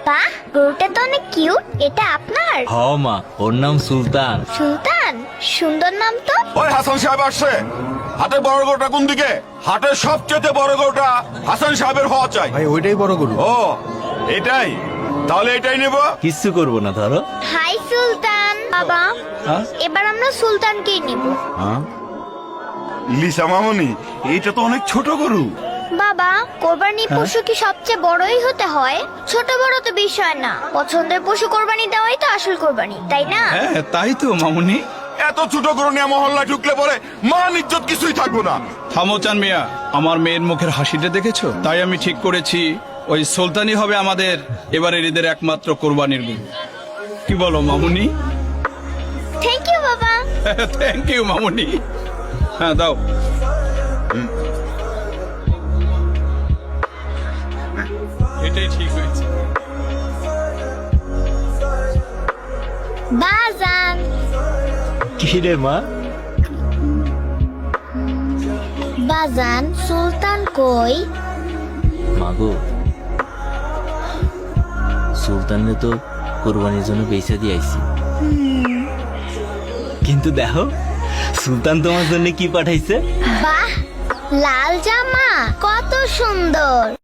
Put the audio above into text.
বাহ, গরুটা তো অনেক কিউট। এটা আপনার? হ মা, ওর নাম সুলতান। সুলতান, সুন্দর নাম তো। ওই হাসান সাহেব আসছে। হাটের বড় গরুটা কোন দিকে? হাটের সবচেয়ে বড় গরুটা হাসান সাহেবের হওয়া চাই। ভাই ওইটাই বড় গরু। ও এটাই, তাহলে এটাই নেব। কিচ্ছু করবো না, ধরো। হাই সুলতান। বাবা, হ্যাঁ? এবার আমরা সুলতানকেই নিব। লিসা মামনি, এইটা তো অনেক ছোট গরু। বাবা, কোরবানির পশু কি সবচেয়ে বড়ই হতে হয়? ছোট বড় তো বিষয় না, পছন্দের পশু কোরবানি দেওয়াই তো আসল কোরবানি, তাই না? হ্যাঁ তাই তো মামুনি। এত ছোট গরু নিয়ে মহল্লা ঢুকলে পরে মান ইজ্জত কিছুই থাকবো না। থামো চান মিয়া, আমার মেয়ের মুখের হাসিটা দেখেছো? তাই আমি ঠিক করেছি ওই সুলতানই হবে আমাদের এবারের ঈদের একমাত্র কোরবানির গরু। কি বলো মামুনি? থ্যাংক ইউ বাবা। থ্যাংক ইউ মামুনি। হ্যাঁ দাও। এটাই ঠিক হয়েছে। বাজান, কি রে মা? বাজান, সুলতান কই? মাগো, সুলতানরে তো কোরবানির জন্য বেচে দিয়ে আইছি। কিন্তু দেখো সুলতান তোমার জন্য কি পাঠাইছে। বাহ, লাল জামা কত সুন্দর।